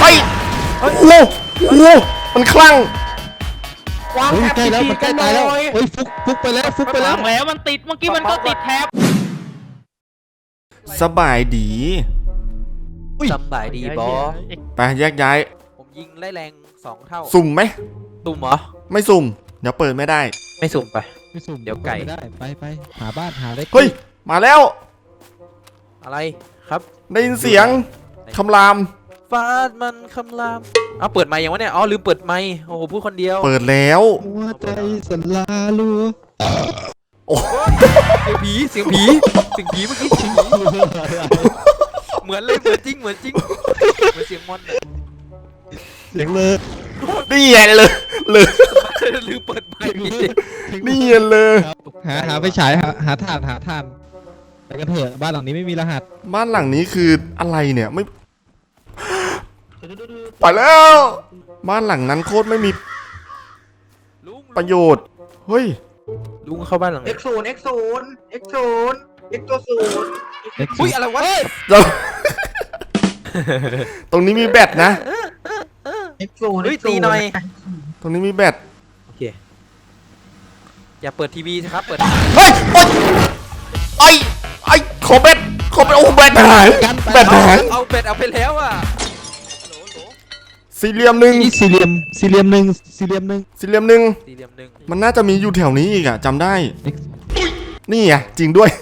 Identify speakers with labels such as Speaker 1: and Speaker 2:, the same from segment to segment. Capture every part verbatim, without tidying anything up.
Speaker 1: ยโอ้โหโอ้โหมันคลั่ง
Speaker 2: วางแถบใกล้แล้วมันใกล้ตายแล้วเฮ้ยฟุกฟุกไปแล้วฟุกไปแล้ว
Speaker 3: แล้วมันติดเมื่อกี้มันก็ติดแท็บ
Speaker 1: สบายดี
Speaker 4: สบายดีบอส
Speaker 1: ไปแยกย้าย
Speaker 4: ผมยิงไล่แรงสองเท่า
Speaker 1: สุ่มไหม
Speaker 4: สุ่มเหรอ
Speaker 1: ไม่สุ่มเดี๋ยวเปิดไม่ได้
Speaker 4: ไม่สุ่มไป
Speaker 2: ไม่สุ่ม
Speaker 4: เดี๋ยวไก่
Speaker 2: ได้ไปไปหาบ้านหาเล็ก
Speaker 1: เฮ้ยมาแล้ว
Speaker 4: อะไรครับ
Speaker 1: ได้ยินเสียงคำราม
Speaker 4: ฟาดมันคำรามเอาเปิดไมค์ยังวะเนี่ยอ๋อลืมเปิดไมค์โอ้โหพูดคนเดียว
Speaker 1: เปิดแล้ว
Speaker 2: หัวใจสลาลัว
Speaker 1: โอ้
Speaker 4: เสียงผีเสียงผีเสียงผีเมื่อกี้เสียงผีเหมือนเลยเหมือนจริงเหมือนจริงเหมือนเสียงมอน
Speaker 2: เสียงเลย
Speaker 1: นี่ไงเลยเลย
Speaker 4: ลืมเปิดไมค์
Speaker 1: นี่เลย
Speaker 2: หาหาไปฉายหาหาถ่านหาถ่านไปกันเถอะบ้านหลังนี้ไม่มีรหัส
Speaker 1: บ้านหลังนี้คืออะไรเนี่ยไม่ไปแล้วบ้านหลังนั้นโคตรไม่มีประโยชน์เฮ้ย
Speaker 4: ลุงเข้าบ้านหลัง
Speaker 3: เอ็กซ์ศูนย์ เอ็กซ์ศูนย์ เอ็กซ์ศูนย์ เอ็กซ์ตัวศูนย์
Speaker 4: อุ้ยอะไรวะ
Speaker 1: ตรงนี้มีแบตนะ
Speaker 3: เอ็กซ์ศูนย์
Speaker 4: เฮ้ยตีหน่อย
Speaker 1: ตรงนี้มีแบต
Speaker 4: โอเคอย่าเปิดทีวีครับเปิด
Speaker 1: เฮ้ยไอ้ไอ้ขอแบตขอแบตโอ้แบตหายแบตหาย
Speaker 4: เอาแบตเอาไปแล้วอ่ะ
Speaker 1: สี่เหลี่ยมหนึ่ง
Speaker 2: สี่เหลี่ยมสี่เหลี่ยมหนึ่งสี่เหลี่ยมหนึ่ง
Speaker 1: สี่เหลี่ยมหนึ่ง
Speaker 4: สี่เหลี่ยมหนึ่ง
Speaker 1: มันน่าจะมีอยู่แถวนี้อีกอะจำได้นี่ไงจริงด้วย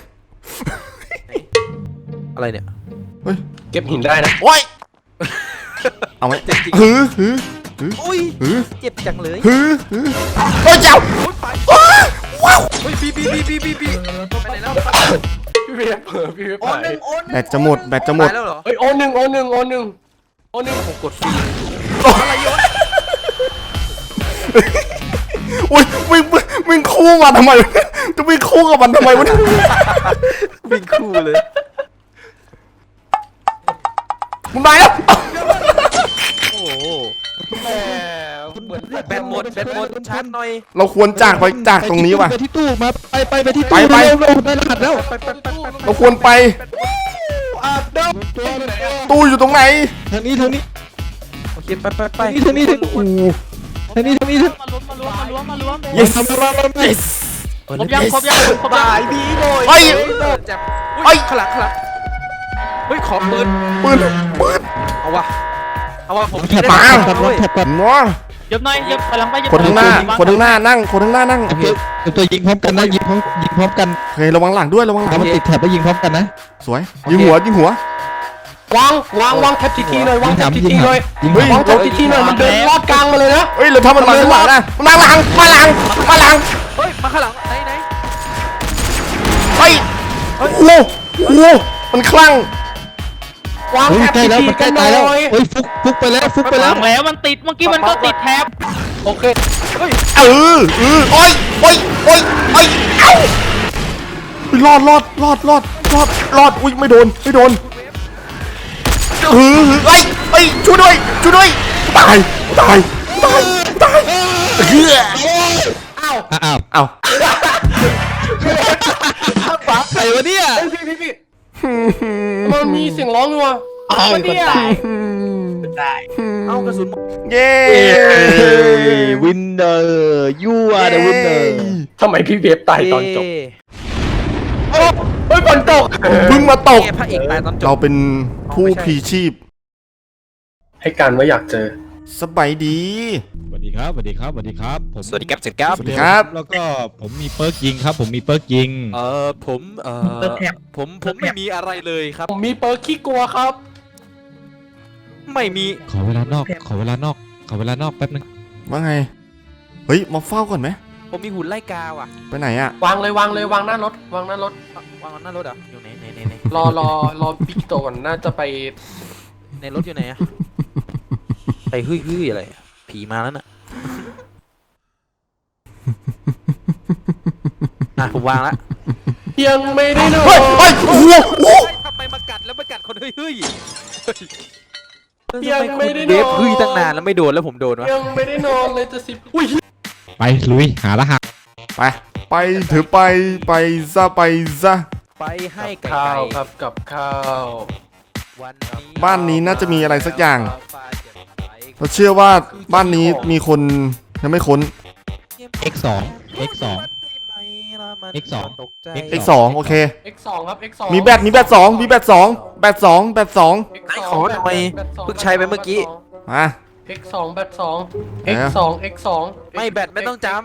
Speaker 4: อะไรเนี่ย
Speaker 1: เฮ้ย
Speaker 3: เก็บหินได้นะ
Speaker 1: โอ้ยเอาไหมฮือฮือฮือ
Speaker 4: อุ้ย
Speaker 1: ฮือ
Speaker 4: เจ็บจังเลย
Speaker 1: ฮือฮือโอ้ยเจ้าว้าว
Speaker 4: เฮ้ยบีบีบีบีบีบีไปไหนแล้ว
Speaker 3: พี่เพียบเผลอพี่เพียบไป
Speaker 1: แบตจะหมดแบตจะหมด
Speaker 3: เฮ้ยโอหนึ่งโอหนึ่งโอหนึ่งโอหนึ่งผมกดฟรี
Speaker 4: อะไรยศ
Speaker 1: อุ้ยวิ่งวิ่งคู่มาทำไมจะวิ่งคู่กับมันทำไมวะ
Speaker 4: วิ่งคู่เลย
Speaker 1: มึงไปแล้ว
Speaker 4: โอ้โหแบตหมดแบตหมดชาร์จหน่อย
Speaker 1: เราควรจากไปจากตรงนี้ว่ะ
Speaker 2: ไปที่ตู้มาไปไปไปที่ตู้ไปเราได้รหัสแล้ว
Speaker 1: เราควรไปตู้อยู่ตรงไหน
Speaker 2: ทางนี้ทางนี้
Speaker 4: โอเคไปไปไป
Speaker 2: ทางนี้ทางนี้ทางนี้ทางนี้ทางนี้
Speaker 3: มาล้วมมาล้วมมาล้วมมาล้วม
Speaker 1: yes
Speaker 3: yes ครบยังครบยังครบยัง
Speaker 4: ไอ้บีโอย
Speaker 1: เฮ้ย
Speaker 4: จับเฮ้ยขลังขลังเฮ้ยขอปืน
Speaker 1: ปืนปืน
Speaker 4: เอาวะเอาวะผม
Speaker 2: แถบมาแถบก่อน
Speaker 1: ง้อ
Speaker 3: เย็บหน่อยเย็บพลังไป
Speaker 1: คนข้างหน้าคนข้างหน้านั่งคนข้างหน้านั่ง
Speaker 2: โอเคตัวยิงพร้อมกันนะยิงพร้อมยิงพร้อมกัน
Speaker 1: เฮ้ยระวังหลังด้วยระวังหลัง
Speaker 2: มันติดแถบแล้วยิงพร้อมกันนะ
Speaker 1: สวยยิงหัวยิงหัว
Speaker 3: วางวางวางแท็บทีทีเลยวางแท็บทีทีเลยวางแท็บทีทีเลยมันเดินลอดกลางมาเลยนะ
Speaker 1: เฮ้ยเราทำมันมาข้างหลังนะมาหลังมาหลังมาหลัง
Speaker 4: เฮ้ยมาข้างหลังไหนไหน
Speaker 1: เฮ้ยโอ้โหโอ้โหมันคลั่ง
Speaker 3: วางแท็บทีที
Speaker 2: มันใกล้ตายแล้วเฮ้ยฟุกฟุกไปแล้วฟุกไปแล้ว
Speaker 3: แล้วมันติดเมื่อกี้มันก็ติดแท็บ
Speaker 4: โอเคเฮ้ย
Speaker 1: เออเออโอ้ยโอ้ยโอ้ยโอ้ยเอ้ารอดรอดรอดรอดรอดรอดอุ้ยไม่โดนไม่โดนเออเอ้ยเอ้ยช่วยด้วยช่วยด้วยตายตายตายตายเฮ้ย
Speaker 2: อ้าวอ้าว
Speaker 1: อ้าว
Speaker 2: ใครวะเนี่ย
Speaker 3: พี่พี่พี่มันมีเสียงร้องอยู่อ่ะ
Speaker 2: มันตาย
Speaker 3: ตาย
Speaker 4: เอากระสุน
Speaker 1: เย้
Speaker 2: วินเนอร์ยูอาร์เดอะวินเนอร์
Speaker 3: ทำไมพี่เวฟตายตอนจบเฮ้ยฝนตก
Speaker 1: เพิ่งมาตก
Speaker 4: พระเอกตายตอนจบ
Speaker 1: เราเป็นผู้พีชีพ
Speaker 3: ให้การว่าอยากเจอ
Speaker 1: สบายดี
Speaker 2: สวัสดีครับสวัสดีครับสวัสดีครับผม
Speaker 4: สวัสดีครับสวัสดีครับ
Speaker 1: สวัสดีครับ
Speaker 2: แล้วก็ผมมีเปิร์กยิงครับผมมีเปิร์กยิง
Speaker 4: เออผมเออผมผมไม่มีอะไรเลยครับ
Speaker 3: ผมมีเปิร์กขี้กลัวครับ
Speaker 4: ไม่มี
Speaker 2: ขอเวลานอกขอเวลานอกขอเวลานอกแป๊บนึง
Speaker 1: ว่าไงเฮ้ยมาเฝ้าก่อนไหม
Speaker 4: ผมมีหุ่นไล่กาวอ่ะ
Speaker 1: ไปไหนอ่ะ
Speaker 3: วางเลยวางเลยวางหน้ารถวางหน้ารถ
Speaker 4: วางหน้ารถอ่ะอยู่ไหนไหนไหนไหน
Speaker 3: รอรอรอบิ๊กโตก่อนน่าจะไป
Speaker 4: ในรถอยู่ไหนอ่ะไปฮึ่ยฮึ่ยอะไรผีมาแล้วน่ะอ่ะผมวางละ
Speaker 3: ยังไม่ได้นอน
Speaker 1: เฮ้ยโอ้โห
Speaker 4: ทำไมมากัดแล้วมากัดคนฮึ่ยฮึ่ย
Speaker 3: ยังไม่ได้นอน
Speaker 4: เดฟฮึ่ยตั้งนานแล้วไม่โดนแล้วผมโดนวะ
Speaker 3: ยังไม่ได้นอนเลยจะสิบอุ้ย
Speaker 2: ไปลุยหารหัส
Speaker 1: ไปไปถือไปไปซะไปซะ
Speaker 4: ไปให้
Speaker 3: ข้าวครับกับข้าว
Speaker 4: วันนี้
Speaker 1: บ้านนี้น่าจะมีอะไรสักอย่างเราเชื่อว่าบ้านนี้มีคนยังไม่ค้น
Speaker 2: x สอง x สอง x สอง
Speaker 1: x สองโอเค
Speaker 3: x สองครับ x สอง
Speaker 1: มีแบตมีแบตสองมีแบตสองแบตสองแบตสอง
Speaker 3: x สอง
Speaker 4: ขอทำไมเพิ่งใช้ไปเมื่อกี้
Speaker 1: มา
Speaker 3: x สองแบตสอง
Speaker 1: ไหน
Speaker 3: x
Speaker 1: อะ
Speaker 3: สอง x สอง
Speaker 4: ไม่แบตไม่ต้องจำ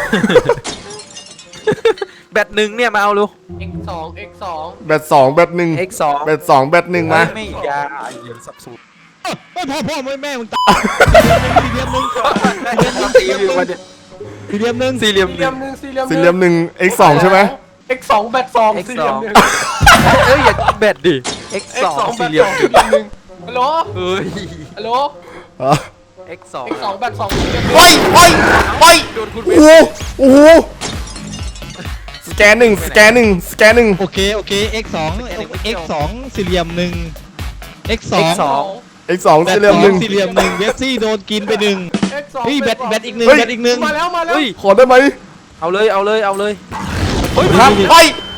Speaker 4: แบตหนึ่งเนี่ยมาเอาดู
Speaker 3: x สอง x สอง
Speaker 1: แบตสองแบตหนึ่ง
Speaker 4: x สอง
Speaker 1: แบตสองแบตหนึ่งมา
Speaker 4: ไม่ยาเย็นสับสูตร
Speaker 2: ไม่พ่อพ่อไม่แม่มึงตายสี่เหลี่ยมหนึ่ง
Speaker 4: สี่เหลี่ยมเนี่ย
Speaker 2: สี่เหลี่ยมหนึ่ง
Speaker 4: สี่เหลี่ยม
Speaker 3: สี่เห
Speaker 4: ห
Speaker 3: ลี่ย
Speaker 4: นึ่ง
Speaker 3: มหนึ่งสี่เหลี่ยม
Speaker 1: สี่เหลี่ยมหนึ่ง x สองใช่ไหม
Speaker 3: x สองแบตสอง
Speaker 4: x
Speaker 3: สี่เหลี่ยมหนึ่ง
Speaker 4: เอ้ยอย่าแบตดิ x
Speaker 3: x
Speaker 4: สอง
Speaker 3: สองแบ
Speaker 4: สี่
Speaker 3: ต
Speaker 4: เหลี่ย
Speaker 3: ส
Speaker 4: ม
Speaker 3: องสี่เหลี่ยมหนึ่งฮัลโหล
Speaker 4: เฮ้ย
Speaker 3: ฮัลโหล
Speaker 1: อ๋อ
Speaker 4: x สอง
Speaker 3: x สองแบตสองสี่เหลี่ยมหนึ่ง
Speaker 1: โอ้ยโอ้ยโอ้ย
Speaker 4: โดนคุณ
Speaker 1: โอ้โหโอ้โหสแกนหนึ่งสแกนหนึ่งสแกนหนึ่ง
Speaker 2: โอเคโอเค x สอง x สองสี่เหลี่ยมหนึ่ง x สอง
Speaker 4: x สอง
Speaker 1: x สอง
Speaker 2: แบต
Speaker 1: สี่เหลี่ยมหนึ่ง
Speaker 2: สี่เหลี่ยมหนึ่งเวสซี่โดนกินไปหนึ่ง
Speaker 3: x สอง
Speaker 2: เฮ้ยแบตแบตอีกหนึ่ง
Speaker 1: เฮ้ย
Speaker 2: แบตอีกหนึ่ง
Speaker 3: มาแล้วมาแล้ว
Speaker 4: เฮ้ย
Speaker 1: ขอได้ไหม
Speaker 4: เอาเลยเอาเลยเอาเลย
Speaker 1: ครับไป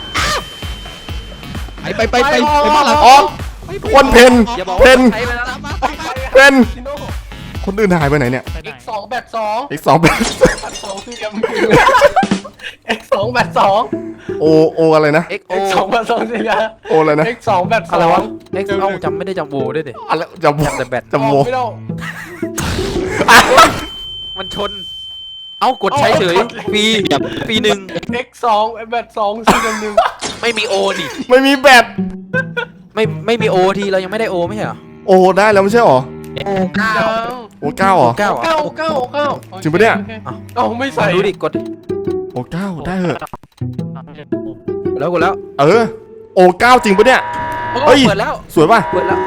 Speaker 2: ไปไปไปไปไปบ้านหลัง
Speaker 1: ออกคนเพน
Speaker 4: อย่าบอก
Speaker 1: เพ
Speaker 4: ว่าน ใช้ไปแล้วนะ
Speaker 1: เพนคนอื่นหายไปไหนเนี่ย
Speaker 3: x สองแบตสอง
Speaker 1: x สองแบต
Speaker 3: แบตสองสี่เหลี่ยมหนึ่ง x สองแบตสอง
Speaker 1: โอโออะไรนะ
Speaker 4: x o
Speaker 3: x สองแบตสองสี่เหลี่ยม
Speaker 1: โออะไรนะ
Speaker 3: x สองแบตส
Speaker 4: อะไร
Speaker 3: อ
Speaker 4: วะ
Speaker 3: ง
Speaker 4: x เอ้าจำไม่ได้จำโวด้วยดิ
Speaker 1: อะไรจะโว
Speaker 4: จำแต่แบต
Speaker 1: จะโว
Speaker 3: ไม่ได้
Speaker 4: มันชน เอ้ากดใช้เฉยฟรีฟรีหนึ่ง
Speaker 3: x สองแบตสองสี่เหลี่ยมหนึ่ง
Speaker 4: ไม่มีโอนี่
Speaker 1: ไม่มีแบต
Speaker 4: ไม่ไม่มีโอทีเรายังไม่ได้โอไม่ใช่เหรอ
Speaker 1: โอได้แล้วไม่ใช่หรอ
Speaker 3: โอ้เก้า
Speaker 1: โอเก้าเหรอ
Speaker 4: เก้าเหรอ
Speaker 3: เก้าเก้าเก้า
Speaker 1: จริงปะเนี่ย
Speaker 3: เอ้าไม่ใส่
Speaker 4: ดูดิกด
Speaker 1: โอเก้าได้เหอะ
Speaker 4: แล้วกดแล้ว
Speaker 1: เออโอเก้าจริงปะเนี่ย เฮ้ย
Speaker 4: เปิดแล้ว
Speaker 1: สวยป่ะ
Speaker 4: เปิดแล้ว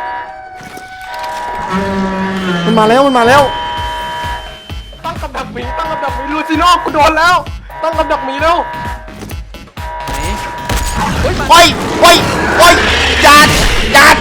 Speaker 1: มันมาแล้วมันมาแล้ว
Speaker 3: ตั้งกับดักหมีตั้งกับดักหมีลูซิโน่กูโดนแล้ว ตั้งกับดักหมีแล้ว
Speaker 4: ไหน
Speaker 1: โอ้ยโอ้ยโอ้ยหยาดหยาด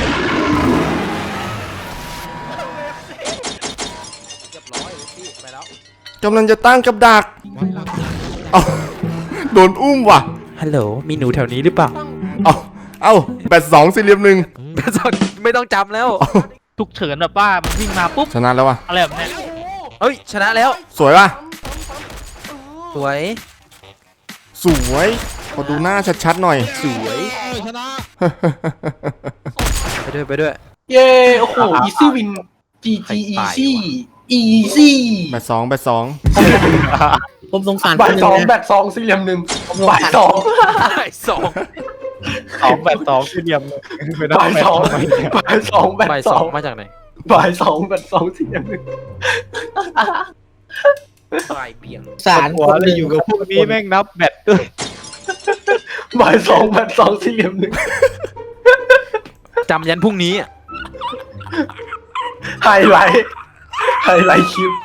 Speaker 4: เรียบร้อยเลยพี่ไปแล้ว
Speaker 1: กำลังจะตั้งกับดักเอาโดนอุ้มว่ะ
Speaker 4: ฮัลโหลมีหนูแถวนี้หรือเปล่า
Speaker 1: เอาเอาแบตสองสี่เหลี่ยมหนึ่ง
Speaker 4: ไม่ต้องจำแล้ว
Speaker 5: ฉุกเฉินแบบว่ามันวิ่งมาปุ๊บ
Speaker 1: ชนะแล้วว่ะ
Speaker 5: อะไรแบบเนี้ย
Speaker 4: เฮ้ยชนะแล้ว
Speaker 1: สวยป่ะ
Speaker 4: สวย
Speaker 1: สวยขอดูหน้าชัดๆหน่อย
Speaker 4: สวย
Speaker 2: ชนะ
Speaker 4: ไปด้วยไปด้วย
Speaker 3: เย้โอ้โห easy win จี จี easy easy
Speaker 1: แบตสองแบตสอง
Speaker 6: ผมสงสาร
Speaker 3: บ่าย
Speaker 6: คนหนึ่
Speaker 3: สอง
Speaker 6: นะ
Speaker 3: แบตสองสี่เหลี่ยมหนึ่งบ่ายสอง
Speaker 4: ไอ้สอง
Speaker 5: สองแบบสองสี่เหลี่ยมเลย
Speaker 3: บ่ายสองบ่ายสองแบ
Speaker 4: ใบ
Speaker 3: ต
Speaker 4: ส
Speaker 3: ส
Speaker 4: อ
Speaker 3: อง ง
Speaker 4: มาจากไหน
Speaker 3: บ่ายสองแบตสองสี่เหลี่ยมหนึ่ง
Speaker 4: ปลายเบี่ยง
Speaker 6: สาร
Speaker 5: หัวเลยอยู่กับพวกนี้แม่งนับแบตด้วย
Speaker 3: บ่ายสองแบตสองสี่เหลี่ยมหนึ่ง
Speaker 4: จำยันพรุ่งนี้อ่ะ
Speaker 3: ไฮไลท์ไฮไลท์คลิป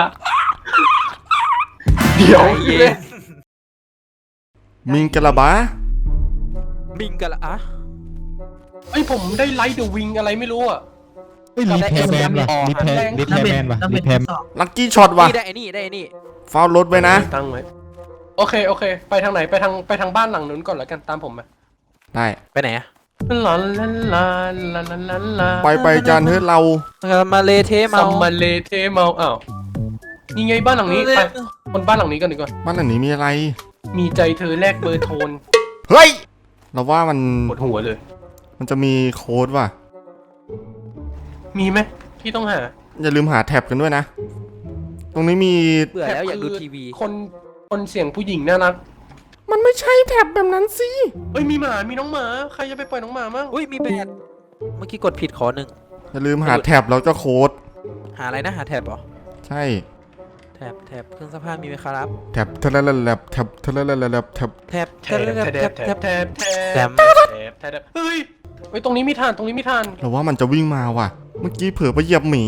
Speaker 3: เดี๋ยว
Speaker 4: ใจเย็น
Speaker 1: มิงกะลาบา
Speaker 4: มิงกันละอ่ะ
Speaker 3: ไอยผมได้ไลท์เดอะวิงอะไรไม่รู้อ่ะ
Speaker 2: เฮ้ยรีแพร์แมนว่ะรีแพร์รีแพร์แมนว่ะรีแพร์
Speaker 1: ลักกี้ช็อตว่ะ
Speaker 4: นี่ได้ไอ้นี่ได้ไอ้นี่
Speaker 1: ฟาวรถไว้นะ
Speaker 3: ตั้งไว้โอเคโอเค ไปทางไหนไปทางไปทางบ้านหลังนู้นก่อนแล้วกันตามผมมา
Speaker 1: ได้
Speaker 4: ไปไหนอ่ะ
Speaker 3: ลาลาลาลาลาลาลา
Speaker 1: ไปไปจานเฮ้ยเรา
Speaker 4: มาเลเท
Speaker 3: ซั
Speaker 4: เมาม
Speaker 3: มาเลเทเมาอ้าวนี่ไงบ้านหลังนี้ไปคนบ้านหลังนี้กันดีกว่า
Speaker 1: บ้านหลังนี้มีอะไร
Speaker 3: มีใจเธอแลกเบอร์โทน
Speaker 1: เฮ้ย เราว่ามัน
Speaker 3: ปวดหัวเลย
Speaker 1: มันจะมีโค้ดว่ะ
Speaker 3: มีไหมที่ต้องหา
Speaker 1: อย่าลืมหาแท็บกันด้วยนะ ตรงนี้มี
Speaker 4: เบื่อแล้วอยากดูทีวี
Speaker 3: คนคนเสียงผู้หญิงน่ารัก
Speaker 1: มันไม่ใช่แท็บแบบนั้นสิ
Speaker 3: เอ้ยมีหมามีน้องหมาใครจะไปปล่อยน้องหมามั่ง
Speaker 4: อุ้ยมีแบตเมื่อกี้กดผิดขอหนึ่ง
Speaker 1: อย่าลืมหาแท็บแล้วก็โค้ด
Speaker 4: หาอะไรนะหาแท็บเหรอ
Speaker 1: ใช่
Speaker 4: แท็บแท็บเครื่องซักผ้ามีไหมครับ
Speaker 1: แท็บเทเลเลแลบแท็บเทเลเลแลบแท็บ
Speaker 4: แท็บ
Speaker 3: แท
Speaker 4: แท็บบ แท็บ
Speaker 3: แท
Speaker 4: แท็
Speaker 3: บบ แท
Speaker 4: แท็
Speaker 3: บบ แทบแทบ
Speaker 4: แท็บ
Speaker 3: แทบแทบเฮ้ยเฮ้ยตรงนี้มีทานตรงนี้มีทาน
Speaker 1: เราว่ามันจะวิ่งมาว่ะ เมื่อกี้เผลอไปเหยียบหมี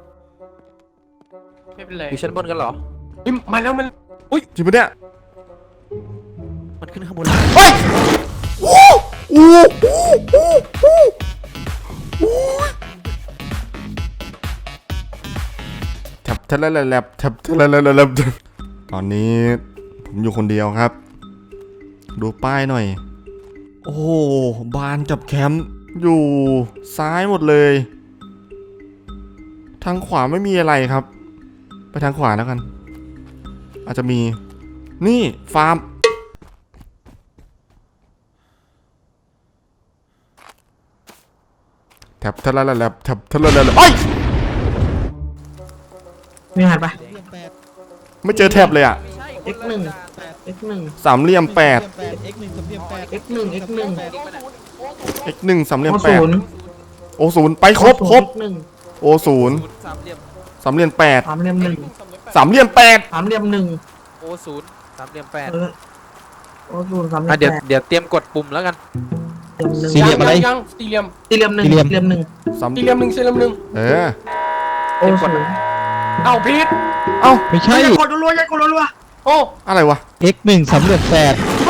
Speaker 3: ไม่เป็นไร
Speaker 4: อยู่ชั้นบนกันเหรอ
Speaker 3: เฮ้ยมาแล้วมัน
Speaker 1: จริงปะเนี่ย
Speaker 4: มันขึ้นข้างบนแล้ว
Speaker 1: เฮ้ยโอ้โหโอ้โหโอ้โหแท็บเทเลเลแลบแท็บเทเลเลแลบตอนนี้ผมอยู่คนเดียวครับ ดูป้ายหน่อย โอ้โหบ้านกับแคมป์อยู่ซ้ายหมดเลย ททางขวาไม่มีอะไรครับ ไปทางขวาแล้วกัน อาจจะมีนี่ฟาร์มแท็บทะละละละแท็บทะละละละเอ้ย
Speaker 6: มีหันปะ
Speaker 1: ไม่เจอแท็บเลยอ่ะ
Speaker 6: x หนึ่ง x หนึ่ง
Speaker 1: สามเหลี่ยมแปด
Speaker 2: x หนึ่งสามเหลี่ยมแปด
Speaker 6: x หนึ่ง x หนึ่ง
Speaker 1: x หนึ่งสามเหลี่ยม
Speaker 6: โอ
Speaker 1: แป
Speaker 6: ศู
Speaker 1: ด
Speaker 6: นย์
Speaker 1: โอศูนย์ไปครบครบ
Speaker 6: x หนึ่ง
Speaker 1: โอศูนย์
Speaker 4: สามเหลี่ยม
Speaker 1: สามเหลี่ยมแปด
Speaker 6: สามเหลี่ยมหนึ่ง
Speaker 1: สามเหลี่ยมแปด
Speaker 6: สามเหลี่ยมหนึ่ง
Speaker 4: โอศูนย์สามเหลี่ยมแปด
Speaker 6: เออโอศูนย์สามเหลี่
Speaker 4: อ่ะ
Speaker 6: ยม
Speaker 4: เดี๋ยว
Speaker 6: แปด
Speaker 4: เดี๋ยวเตรียมกดปุ่มแล้วกัน
Speaker 6: เหลี่ยมหนึ่ง
Speaker 2: สี่เหลี่ยมอะไร
Speaker 3: ยังสี่เหลี่ยม
Speaker 6: สี่เหลี่ยมหนึ่ง
Speaker 2: สี่เหลี่ยม
Speaker 6: สี่เหลี่ยมหนึ่ง
Speaker 1: สาม
Speaker 3: สี่เหลี่ยมหนึ่งสี่เหลี่ยมหนึ่ง
Speaker 1: เออ
Speaker 6: โอศูนย์
Speaker 3: เอ้าพีท
Speaker 1: เอ้า
Speaker 2: ไม่ใช่
Speaker 6: กดรัวๆอย่ากดรัว
Speaker 3: โอ้
Speaker 1: อะไรวะ
Speaker 2: x หนึ่งสามเหลี่ยมแปด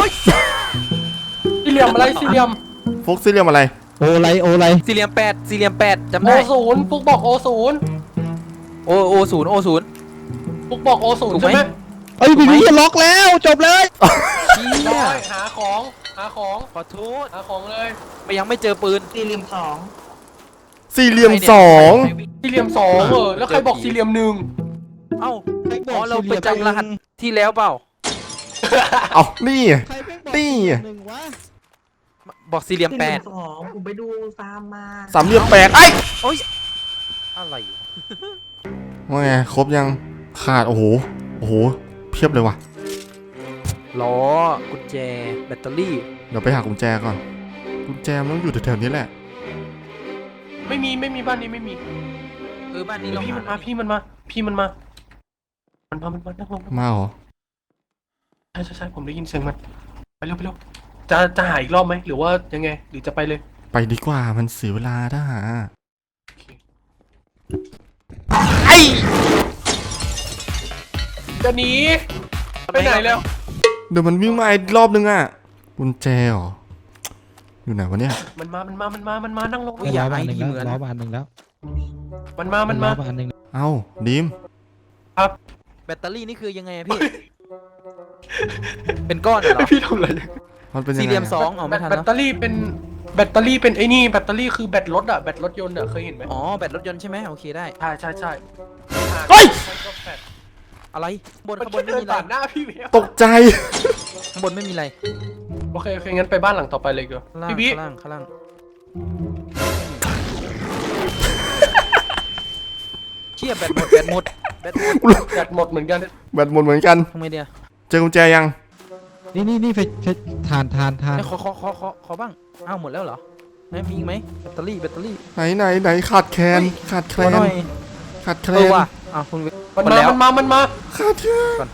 Speaker 3: สี่เหลี่ยมอะไรสี่เหลี่ยม
Speaker 1: ฟุกสี่เหลี่ยมอะไร
Speaker 2: โอไรโอไร
Speaker 4: สี่เหลี่ยมแปดสี่เหลี่ยมแปดจำ
Speaker 3: โอ
Speaker 4: ได้
Speaker 3: ศูนย์ฟุกบอกโอศูนย์
Speaker 4: โอโอศูนย์โอศูนย์
Speaker 3: ฟุกบอกโอศูนย์
Speaker 4: ถูก
Speaker 3: ใช่
Speaker 4: ไหม
Speaker 3: ไหม
Speaker 2: เอ้ยพี่พี่ล็อกแล้วจบเลย
Speaker 4: เชี่ย
Speaker 3: ได้หาของหาของ
Speaker 4: ขอโทษ
Speaker 3: หาของเลย
Speaker 4: ไปยังไม่เจอปืน
Speaker 6: ๆสี่เหลี่ยมสอง
Speaker 1: สี่เหลี่ยมสอง
Speaker 3: สี่เหลี่ยมสองเออแล้วใครบอกสี่เหลี่ยมหนึ่ง
Speaker 4: เอ้าอ๋อเราไปจำรหัสที่แล้วเปล่า
Speaker 1: เอานี่
Speaker 2: ใครแม่งบอก
Speaker 1: นี่
Speaker 2: หนึ่งวะ
Speaker 4: บอกสี่เหลี่ยม
Speaker 6: สี่
Speaker 4: แป
Speaker 6: เหลี่ย
Speaker 4: ด
Speaker 6: มสองผมไปดูฟาร์มมา
Speaker 1: สามเหลี่ยมแปดไอ้ย
Speaker 4: อะไรวะ
Speaker 1: ว่าไงครบยังขาดโอ้โหโอ้โหเพียบเลยว่ะ
Speaker 4: ล้อกุญแจแบตเตอรี่
Speaker 1: เดี๋ยวไปหากุญแจก่อนกุญแจมันต้องอยู่แถวๆนี้แหละ
Speaker 3: ไม่มีไม่มีบ้านนี้ไม่มี
Speaker 4: เออบ้านนี้เรา
Speaker 3: พี่มัน
Speaker 4: หา
Speaker 3: มาพี่มันมาพี่มันมา มันมามันมานั่งลง
Speaker 1: มาเหรอ
Speaker 3: ใช่ใช่ใช่ผมได้ยินเสียงมันไปเร็วไปเร็วจะจะหาอีกรอบไหมหรือว่ายังไงหรือจะไปเลย
Speaker 1: ไปดีกว่ามันเสียเวลาถ้าหาไอ้
Speaker 3: จะหนีไปไหนแล้ว
Speaker 1: เดี๋ยวมันวิ่งมาอีกรอบนึงอ่ะกุญแจเหรออยู่ไหนวะเนี่ย
Speaker 3: มันมามันมามันมามันมานั่งลง
Speaker 2: ล้อบานหนึ่งแล้วล้อบานหนึ่งแล้ว
Speaker 3: มันมามันมา
Speaker 2: ล้อบานหนึ่ง
Speaker 1: เอ้าดิม
Speaker 4: แบตเตอรี่นี่คือยังไงอะพี่ เป็นก้อนเหรอ
Speaker 3: พี่ทำอะไร
Speaker 1: มันเป็นยังไง
Speaker 4: สี่เหลี่ยมส
Speaker 1: อะ
Speaker 4: องเอาไม่ทัน
Speaker 3: แบต
Speaker 4: แล้ว
Speaker 3: เตอรี่เป็นแบตเตอรี่เป็นไอ้นี่แบตเตอรี่คือแบตรถอะแบตรถยนต์อะเคยเห็นไหม
Speaker 4: อ๋อแบตรถยนต์ใช่ไหมโอเคได้
Speaker 3: ใช่ใช่ใช่
Speaker 1: เฮ้ย
Speaker 4: อะไรบน
Speaker 3: มัน
Speaker 4: ข้างบน
Speaker 3: แค่
Speaker 4: ไม่
Speaker 3: เดิน
Speaker 4: มีอะไร
Speaker 3: ผ่านหน้าพี่เวีย
Speaker 1: ตกใจ
Speaker 4: ข้างบนไม่มีอะไร
Speaker 3: โอเคโอเคงั้นไปบ้านหลังต่อไปเลยเกียว
Speaker 4: ข้างล่าง
Speaker 3: พี่บิ๊
Speaker 4: ข้างล่างข้างล่างเชี่ยแบตหมดแบตหมดแบตหมด
Speaker 3: แบตหมดเหมือนกัน
Speaker 1: แบตหมดเหมือนกัน
Speaker 4: ทำไมเดียว
Speaker 1: เจอกุญแจยัง
Speaker 2: นี่นี่นี่ไฟไฟทานทานทาน
Speaker 4: ไม่ขอขอขอขอขอบ้างอ้าวหมดแล้วเหรอไม่มีอีกไหมแบตเตอรี่แบตเตอรี่
Speaker 1: ไหนไหนไหนขาดแคลนขาดแคล
Speaker 4: ขอน หน่อย
Speaker 1: ขาดแคล
Speaker 4: เออน ว่ะอ้าวคุณ
Speaker 3: มัน
Speaker 4: หมด
Speaker 3: มา
Speaker 4: แล้ว
Speaker 3: มันมามันมา
Speaker 1: ขาดแคลน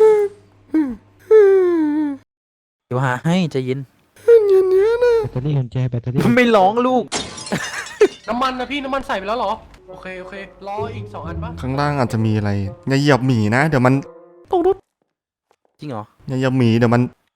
Speaker 4: เดี๋ยวหาให้ใจเย็น
Speaker 1: อย่างเนี้ยนะ
Speaker 2: แบตเตอรี่กุญแจแบตเตอรี่
Speaker 4: ไม่ร้องลูก
Speaker 3: น้ำมันนะพี่น้ำมันใส่ไปแล้วเหรอโอเคโอเครออีกสองอันปะ
Speaker 1: ข้างล่างอาจจะมีอะไรอย่าเหยียบหมีนะเดี๋ยวมัน
Speaker 4: จริงเหรอ
Speaker 1: อย่าเหยียบหมีเดี๋ยวมัน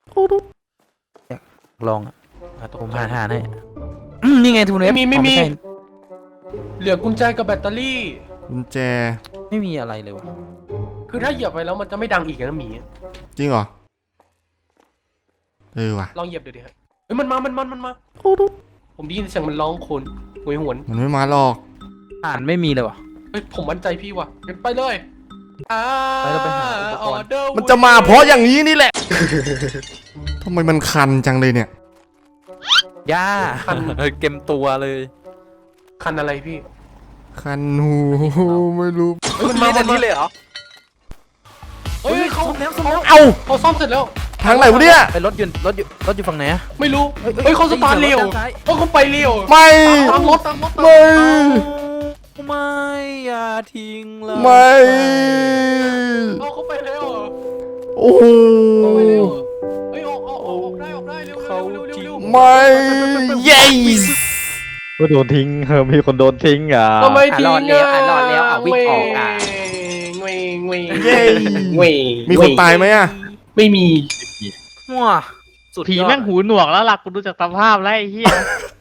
Speaker 4: ลองอ่ะอ่ะผมหาทานให้อืมนี่ไงทุนเอ
Speaker 3: ไม่
Speaker 4: ฟ
Speaker 3: มีไม่มี
Speaker 4: อ๋อใช่
Speaker 3: เหลือกุญแจกับแบตเตอรี่
Speaker 1: กุญแจ
Speaker 4: ไม่มีอะไรเลยวะ
Speaker 3: คือถ้าเหยียบไปแล้วมันจะไม่ดังอีกนะหมี
Speaker 1: จริงเหรอเออว่ะ
Speaker 3: ลองเหยียบดูดิฮะเฮ้ยมันมามันมามันมาผมได้ยินเสียงมันร้องโคลนหวยหวน
Speaker 1: มันไม่มาหรอก
Speaker 4: อ่านไม่มีเลยวะ
Speaker 3: เฮ้ยผมมั่นใจพี่ว่ะงั้นไปเลยอ่า
Speaker 4: ไปเราไปหาอุปกรณ์
Speaker 3: ออเดอร์
Speaker 1: มันจะมาเพราะอย่างนี้นี่แหละ ทำไมมันคันจังเลยเนี่ย
Speaker 4: ย่าเกมตัวเลย
Speaker 3: คันอะไรพี่
Speaker 1: คันหูไม่รู้
Speaker 3: เฮ้ยมัน
Speaker 4: มา
Speaker 3: มา
Speaker 4: แบ
Speaker 3: มัน
Speaker 4: บ
Speaker 3: มา
Speaker 4: นี้เลยเหรอ
Speaker 3: เฮ้ยเขา
Speaker 4: ซ่อมแล้วซ่อมแล้ว
Speaker 1: เอ้า
Speaker 3: เขาซ่อมเสร็จแล้ว
Speaker 1: ทางไหนวะเนี่ย
Speaker 4: ไปรถยนต์รถอยู่รถอยู่ฝั่งไหนอะ
Speaker 3: ไม่รู้
Speaker 4: เฮ้ยเฮ้ย
Speaker 3: เฮ้ยเขาสตาร์ท
Speaker 4: ได้
Speaker 3: เร็
Speaker 4: ยิ
Speaker 3: วน
Speaker 4: เสียงรถด้านซ้าย
Speaker 3: เฮ้ยเขาไปเร็ว
Speaker 1: ไม่
Speaker 3: ตามรถตามรถตาม
Speaker 1: ไม่
Speaker 4: ไม่อย่าทิ้งเลย
Speaker 1: ไม่
Speaker 3: เอาเขาไปเร็ว
Speaker 1: โอ้โห
Speaker 3: เขาไปเร็วเฮ้ยออกออกออกออกได้ออกได้เร็วเร็วเร็วเร็วเร็ว
Speaker 1: ไม่เย้
Speaker 5: ก็โดนทิ้งเออมีคนโดนทิ้งอ่ะ
Speaker 3: ทำไม
Speaker 4: อ่ะ
Speaker 3: ทิ้ง
Speaker 4: รอดแล้วอ่ะรอดแล้วอ่ะวิ่งออกอ่ะ
Speaker 3: เงยเงย
Speaker 1: เย้
Speaker 3: เงย
Speaker 1: มีคนตายไหมอะ
Speaker 3: ไม่มี
Speaker 4: มั่วสุด
Speaker 5: ผี
Speaker 4: ยอด
Speaker 5: แม่งหูหนวกแล้วล่ะกูดูจากสภาพแล้วไอ้เหี้ย